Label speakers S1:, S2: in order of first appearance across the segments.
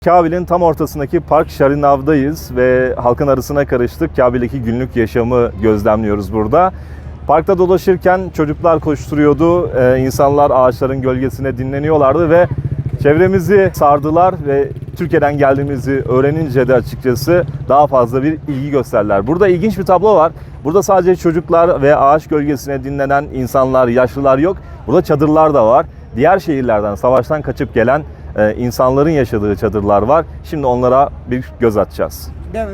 S1: Kabil'in tam ortasındaki Park Şarinav'dayız ve halkın arasına karıştık. Kabil'deki günlük yaşamı gözlemliyoruz burada. Parkta dolaşırken çocuklar koşturuyordu, insanlar ağaçların gölgesine dinleniyorlardı ve çevremizi sardılar ve Türkiye'den geldiğimizi öğrenince de açıkçası daha fazla bir ilgi gösterdiler. Burada ilginç bir tablo var. Burada sadece çocuklar ve ağaç gölgesine dinlenen insanlar, yaşlılar yok. Burada çadırlar da var. Diğer şehirlerden, savaştan kaçıp gelen insanların yaşadığı çadırlar var. Şimdi onlara bir göz atacağız.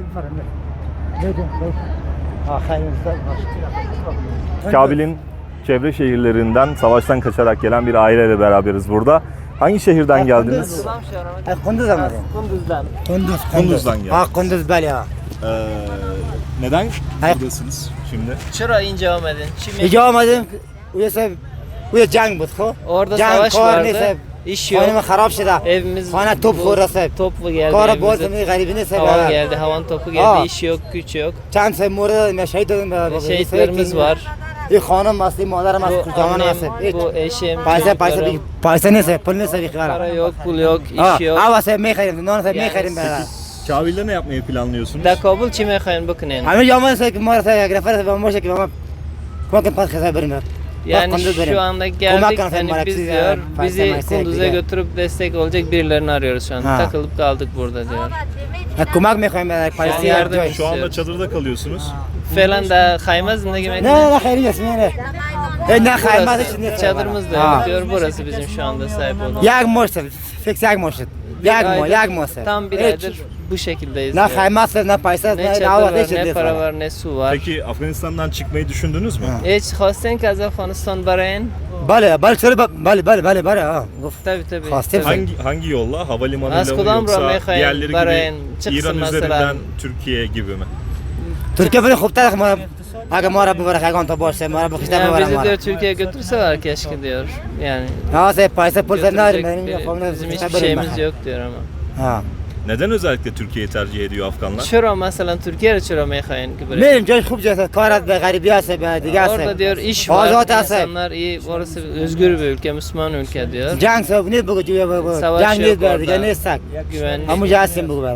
S1: Kabil'in çevre şehirlerinden savaştan kaçarak gelen bir aileyle beraberiz burada. Hangi şehirden geldiniz?
S2: Kunduz'dan.
S1: Kunduz'dan geldiniz.
S2: Ha Kunduz bali ha.
S1: Neden buradasınız şimdi?
S3: Çırağın devam edin. Şimdi
S2: Rica olmadım. Uya jang bud ko.
S3: orada
S2: Jang
S3: savaş
S2: kar
S3: vardı.
S2: neyse.
S3: İş yok.
S2: Hanım harap şida.
S3: Evimiz
S2: Hana top vurası.
S3: Toplu geldi.
S2: Kara
S3: evimize.
S2: bozduğunu garibine
S3: Havan
S2: sebep.
S3: geldi. Havan topu geldi.
S2: Aa.
S3: İş yok, güç yok.
S2: Çan se murda me şehit oldum be.
S3: Şehitlerimiz var.
S2: İyi hanım masli mağdara mas
S3: Bu
S2: kurcaman
S3: annem,
S2: masli.
S3: bu eşim,
S2: Paisa neyse. Pul neyse bir
S3: para
S2: kara.
S3: yok, pul yok,
S2: Ha.
S3: iş yok.
S2: Ava se me kharim. Non se me
S3: Yani
S2: kharim be.
S1: Kabil'de ne yapmayı planlıyorsunuz?
S3: Da Kabul çime kayın bakın en.
S2: Hami yaman se ki mağdara se grafar se moşe ki ama. Kumakin pas khasa berim.
S3: Yani şu anda geldik hani biz diyor bizi Kunduz'a götürüp destek olacak birilerini arıyoruz şu an.
S2: Ha.
S3: Takılıp kaldık burada diyor.
S2: Kumak me kharim be.
S3: Yani
S2: Paisa
S3: yardım
S2: yardım.
S1: Şu anda çadırda kalıyorsunuz.
S3: Falan da kaymaz mı ne demek?
S2: Ne hayri yasmine. Ne khaymaz içinde.
S3: Çadırımız da yok diyor. Burası bizim şu anda sahip olduğumuz.
S2: Yak moşse. Fix yak moşse. Yak moşse.
S3: Tam bir aydır bu şekildeyiz.
S2: Ne
S3: diyor.
S2: khaymaz ne paisa
S3: Ne
S2: ne
S3: çadır
S2: ava
S3: var, ne para var, ne su var.
S1: Peki Afganistan'dan çıkmayı düşündünüz mü?
S3: Hiç خواستین که از افغانستان براین؟
S2: Bale bale ha.
S3: Tabii tabii.
S2: Khastem
S3: tabii.
S1: Hangi yolla? Havalimanıyla
S3: Az
S1: mı
S3: kudam
S1: yoksa
S3: Ramekhayn,
S1: diğerleri
S3: Bahreyn,
S1: gibi
S3: çıksın
S1: İran
S3: mesela.
S1: üzerinden Türkiye gibi mi?
S2: Türkiye böyle खूब तरह हमारा आगे हमारा बड़ा खाएगा तो बहुत से हमारा बखिस्ता
S3: Yani
S2: बड़ा
S3: bizi
S2: हमारा
S3: diyor Türkiye'ye götürseler keşke diyor. Yani
S2: हाँ से पैसे पुल से ना
S3: götürecek
S2: मैंने
S3: bir-
S2: फोन
S3: bizim
S2: में
S3: hiçbir şeyimiz yok diyor ama.
S2: हाँ
S1: Neden özellikle Türkiye'yi tercih ediyor Afganlar?
S3: Çura mesela Türkiye'ye çura meyhayn gibi.
S2: मेरे जो खूब जैसे कारत be garibiya se be diğer
S3: Orada
S2: se
S3: diyor iş var,
S2: Azat ase.
S3: insanlar iyi, orası özgür bir ülke, Müslüman ülke diyor.
S2: jang se ne bu diyor bu
S3: Savaş
S2: jang
S3: yok
S2: ne be
S3: orada.
S2: diyor ne sak
S3: Güvenlik.
S2: ama jasim bu be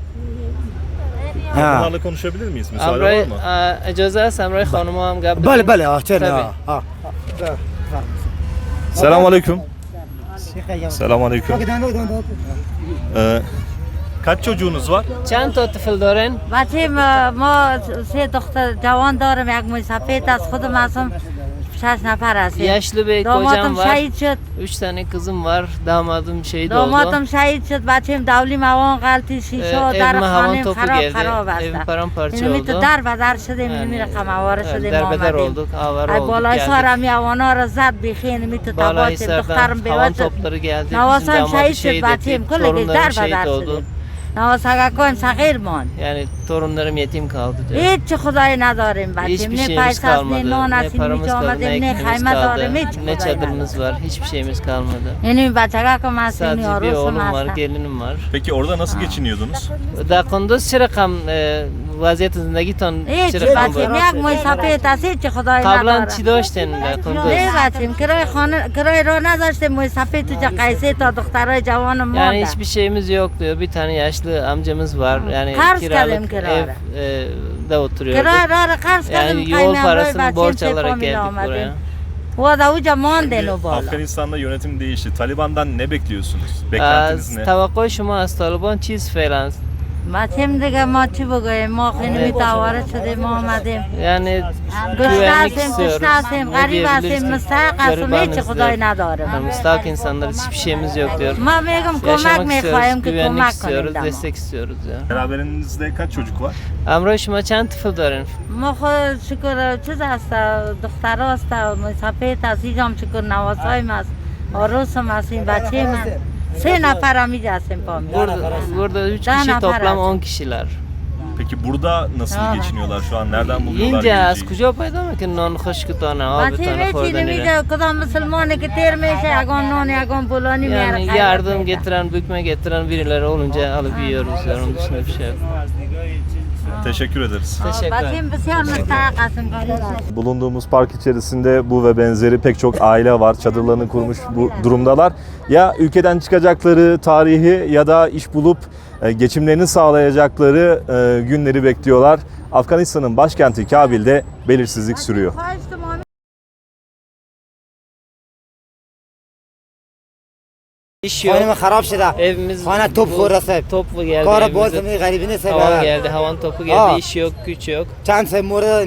S2: ها
S1: Onlarla konuşabilir miyiz? Müsaade
S3: Amray,
S1: var mı?
S3: اجازه است امرای خانم هم قبل
S2: بله بله ها چرا
S3: Tabii.
S2: ها
S1: Selamünaleyküm. Selamünaleyküm. Kaç çocuğunuz var?
S3: چند تا طفل دارین؟
S4: بچه ما سه دختر جوان دارم یک موی سفید از خودم هستم 6 نفر هستیم
S3: Yaşlı bir
S4: دامادم
S3: kocam var.
S4: شهید شد
S3: 3 tane kızım var. Damadım şehit oldu.
S4: دامادم شهید شد بچه davli موان غلطی شیشه و در
S3: evime havan
S4: خانه
S3: topu
S4: خراب
S3: geldi.
S4: خراب
S3: Evim
S4: هستم
S3: paramparça
S4: اینو تو
S3: oldu.
S4: در بدر شدیم اینو
S3: Yani,
S4: میره قمواره
S3: evet,
S4: شدیم
S3: derbeder
S4: آمدیم
S3: olduk, avara
S4: ای
S3: olduk,
S4: بالای
S3: geldik.
S4: سارم یوانا رو زد بیخی اینو تو تباه شد دخترم
S3: Balahisar'dan havan
S4: بیوت شد
S3: topları geldi. Bizim
S4: نواسم
S3: damadı
S4: شهید شد
S3: şehit
S4: بچیم
S3: ettik.
S4: کلگی
S3: Torunlarım
S4: در
S3: şehit
S4: بدر
S3: oldu.
S4: شدیم نواسگاکایم صغیر ماند
S3: Yani torunlarım yetim kaldı diyor.
S4: هیچ خدایی نداریم بچیم
S3: Hiçbir
S4: نه
S3: şeyimiz
S4: پیسه است نه
S3: kalmadı.
S4: نان
S3: Ne
S4: است
S3: paramız
S4: اینجا
S3: kaldı, ne
S4: آمدیم نه
S3: ekmeğimiz
S4: خیمه
S3: kaldı,
S4: داریم هیچ
S3: ne
S4: خدایی نداریم
S3: çadırımız var. Hiçbir şeyimiz kalmadı.
S4: اینو بچگاه که مسئولین
S3: Sadece bir
S4: آروسم
S3: oğlum var,
S4: هستن
S3: gelinim var.
S1: Peki orada nasıl geçiniyordunuz?
S3: در قندوز چه رقم وضعیت زندگیتان
S4: هیچ
S3: چه رقم
S4: بچیم
S3: بود؟
S4: یک موی سفید است هیچ خدایی
S3: قبلا
S4: نداره
S3: چی داشتین در قندوز؟
S4: نه بچیم کرای خانه کرای را نذاشتیم موی سفید تو جا قیسه تا دخترای جوان
S3: Yani
S4: مانده
S3: hiçbir şeyimiz yok diyor. Bir tane yaşlı amcamız var. Yani
S4: Kars
S3: kiralık
S4: kalem kirara.
S3: de oturuyordu.
S4: کرای را قرض
S3: Yani
S4: کردیم
S3: yol
S4: قیمه
S3: parasını
S4: برای
S3: borç
S4: بچیم
S3: alarak
S4: سپامیل
S3: geldik buraya.
S4: آمدیم و دا اوجا ماندن و بالا
S1: Afganistan'da yönetim değişti. Taliban'dan ne bekliyorsunuz?
S3: Az
S1: Beklentiniz ne?
S3: توقع شما از طالبان چیز فعلا؟
S4: بچیم دیگه ما چی بگوییم ما خیلی میتوارد شدیم ما آمدیم
S3: Yani
S4: گشته
S3: güvenlik
S4: هستیم
S3: istiyoruz.
S4: کشته هستیم
S3: Ne
S4: غریب
S3: diyebiliriz
S4: هستیم
S3: ki?
S4: مستحق هستیم هیچ
S3: Garibanız
S4: خدایی
S3: diyor.
S4: نداریم
S3: Yani müstahak insanlarız. Hiçbir şeyimiz yok diyor.
S4: ما میگم کمک
S3: Yaşamak
S4: میخواهیم
S3: istiyoruz,
S4: که
S3: güvenlik
S4: کمک
S3: istiyoruz,
S4: کنید
S3: destek istiyoruz ya.
S1: Beraberinizde kaç çocuk var?
S3: امروز شما چند طفل دارین؟
S4: ما خود شکر چیز هست دختر هست سفید هست اینجام شکر نواسایم هست آروسم هستیم بچه من 3 نفر هم اینجا هستیم پامی
S3: Burada 3
S4: Daha
S3: kişi
S4: ne
S3: toplam
S4: para?
S3: 10 kişiler.
S1: Peki burada nasıl
S4: Aa.
S1: geçiniyorlar şu an? Nereden buluyorlar
S3: اینجا از
S1: yiyeceği?
S3: کجا پیدا میکنن نان خشکتانه
S4: بچه
S3: آبتانه
S4: هیچی
S3: خوردنی
S4: نمیده کدام مسلمانه که تیر میشه یگان نان یگان پولانی
S3: Yani
S4: میاره
S3: yardım getiren, bükme getiren birileri olunca alıp yiyoruz. Yani onun dışında bir şey yok.
S1: Teşekkür ederiz.
S3: Teşekkür ederim.
S4: Bacım بسیار مستحق هستیم
S1: Bulunduğumuz park içerisinde bu ve benzeri pek çok aile var. Çadırlarını kurmuş bu durumdalar. Ya ülkeden çıkacakları tarihi ya da iş bulup geçimlerini sağlayacakları günleri bekliyorlar. Afganistan'ın başkenti Kabil'de belirsizlik sürüyor.
S3: İş yok.
S2: خانه خراب شده
S3: Evimiz
S2: خانه توپ خورده صاحب
S3: top geldi
S2: کار
S3: evimize.
S2: باز غریبی نیست
S3: Havan
S2: صاحب
S3: geldi, havan topu geldi,
S2: Aa.
S3: iş yok, güç yok.
S2: چند سه مورد